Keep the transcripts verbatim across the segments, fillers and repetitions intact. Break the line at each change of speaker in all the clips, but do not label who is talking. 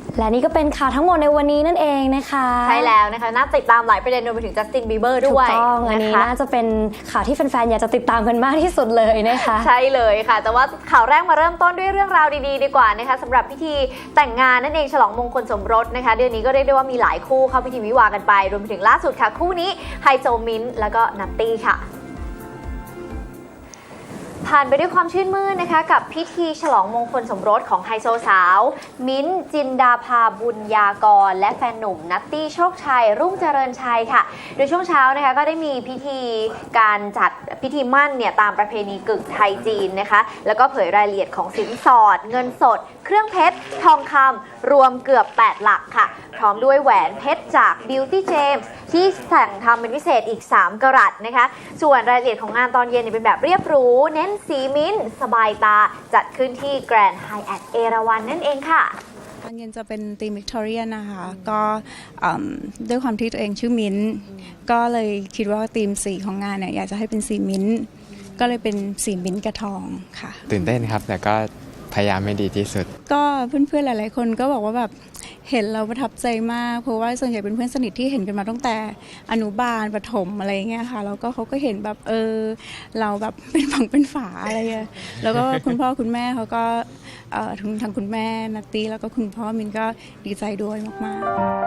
และนี่ก็เป็นข่าวทั้งหมดในวันนี้นั่นเองนะคะ
ใช่แล้วนะคะน่าติดตามหลายประเด็นรวมไปถึงจัสตินบีเบอร์ด้วย
ถูกต้องอันนี้น่าจะเป็นข่าวที่แฟนๆอยากจะติดตามกันมากที่สุดเลยนะคะ
ใช่เลยค่ะแต่ว่าข่าวแรกมาเริ่มต้นด้วยเรื่องราวดีๆดีกว่านะคะสำหรับพิธีแต่งงานนั่นเองฉลองมงคลสมรสนะคะเดือนนี้ก็เรียกได้ว่ามีหลายคู่เข้าพิธีวิวาห์กันไปรวมไปถึงล่าสุดค่ะคู่นี้ไฮโซมิ้นท์แล้วก็นัตตี้ค่ะผ่านไปด้วยความชื่นมื่นนะคะกับพิธีฉลองมงคลสมรสของไฮโซสาวมิ้นท์จินดาภาบุญญากรและแฟนหนุ่มนัตตี้โชคชัยรุ่งเจริญชัยค่ะโดยช่วงเช้านะคะก็ได้มีพิธีการจัดพิธีมั่นเนี่ยตามประเพณีกึ่งไทยจีนนะคะแล้วก็เผยรายละเอียดของสินสอดเงินสดเครื่องเพชรทองคำรวมเกือบแปดหลักค่ะพร้อมด้วยแหวนเพชรจาก Beauty James ที่แต่งทำเป็นพิเศษอีกสามกะรัตนะคะส่วนรายละเอียดของงานตอนเย็นเป็นแบบเรียบหรูเน้นสีมิ้นท์สบายตาจัดขึ้นที่แกรนด์ไฮแอทเอราวัณนั่นเองค่ะ
ตอนเย็นจะเป็นธีมวิกตอเรียนะคะก็ด้วยความที่ตัวเองชื่อมิ้นท์ก็เลยคิดว่าธีมสีของงานเนี่ยอยากจะให้เป็นสีมิ้นท์ก็เลยเป็นสีมิ้นท์กระทองค่ะ
ตื่นเต้นครับแต่ก็พยายามให้ดีที่สุด
ก็เพื่อนๆหลายๆคนก็บอกว่าแบบเห็นเราประทับใจมากเพราะว่าส่วนใหญ่เป็นเพื่อนสนิทที่เห็นกันมาตั้งแต่อนุบาลประถมอะไรเงี้ยค่ะแล้วก็เขาก็เห็นแบบเออเราแบบเป็นฝั่งเป็นฝาอะไรเงี้ยแล้วก็คุณพ่อคุณแม่เขาก็เอ่อทั้งทางคุณแม่นัตตี้แล้วก็คุณพ่อมินก็ดีใจด้วยมาก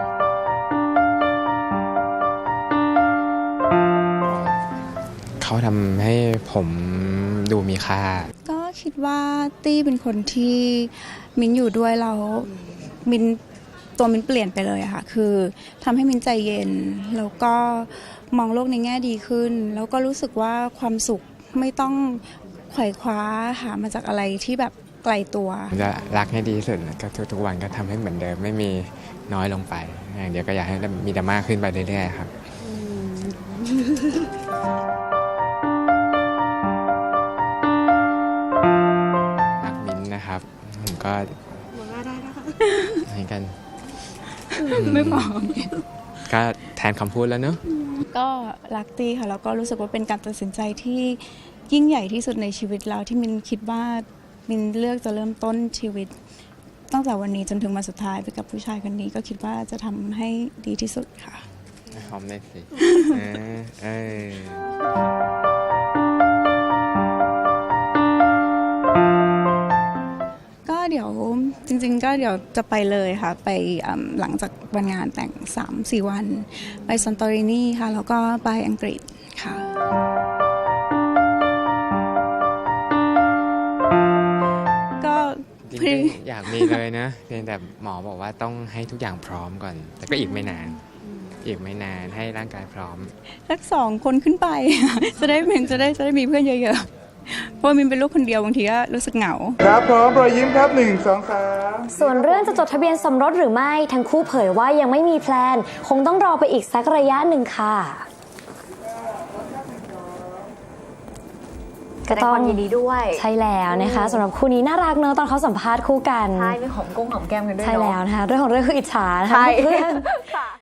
ๆเขาทำให้ผมดูมีค่า
ก็คิดว่าตี้เป็นคนที่มินอยู่ด้วยเรามินตัวมินเปลี่ยนไปเลยอะค่ะคือทำให้มินใจเย็นแล้วก็มองโลกในแง่ดีขึ้นแล้วก็รู้สึกว่าความสุขไม่ต้องไขว่คว้าหามาจากอะไรที่แบบไกลตัว
จะรักให้ดีที่สุดก็ทุกๆวันก็ทำให้เหมือนเดิมไม่มีน้อยลงไปอย่างเดียวก็อยากให้มีดราม่าขึ้นไปเรื่อยๆครับรักมิ้นนะครับผมก็
บอกว่าได้นะคะ
ให้กัน
ไม่พอ
ก็แทนคำพูดแล้วเนอะ
ก็รักตี้ค่ะแล้วก็รู้สึกว่าเป็นการตัดสินใจที่ยิ่งใหญ่ที่สุดในชีวิตเราที่มินคิดว่ามินเลือกจะเริ่มต้นชีวิตตั้งแต่วันนี้จนถึงวันสุดท้ายไปกับผู้ชายคนนี้ก็คิดว่าจะทำให้ดีที่สุดค่ะ
หอมได้สิเออเออ
เดี๋ยวจริงๆก็เดี๋ยวจะไปเลยค่ะไปหลังจากวันงานแต่ง สามถึงสี่ วันไปซานโตรินีค่ะแล้วก็ไปอังกฤษค่ะก็
อยากมีเลยนะเพียงแต่หมอบอกว่าต้องให้ทุกอย่างพร้อมก่อนแต่ก็อีกไม่นานอีกไม่นานให้ร่างกายพร้อม
สักสองคนขึ้นไปจะได้เป็นจะได้จะได้มีเพื่อนเยอะๆเพราะมินเป็นลูกคนเดียวบางทีก็รู้สึกเหงา
ครับพร้อมรอยยิ้มครับหนึ่งสองสาม
ส่วนเรื่องจะจดทะเบียนสมรสหรือไม่ทั้งคู่เผยว่ายังไม่มีแพลนคงต้องรอไปอีกสักระยะหนึ่งค่ะ
ก็ต้องยินดีด้วย
ใช่แล้วนะคะสำหรับคู่นี้น่ารักเนอะตอนเขาสัมภาษณ์คู่กัน
ใช่มีหอมกุ้งหอมแก้มกันด้วย
ใช่แล้วนะคะเรื่องของเรื่องคืออิจฉานะคะเพื่อน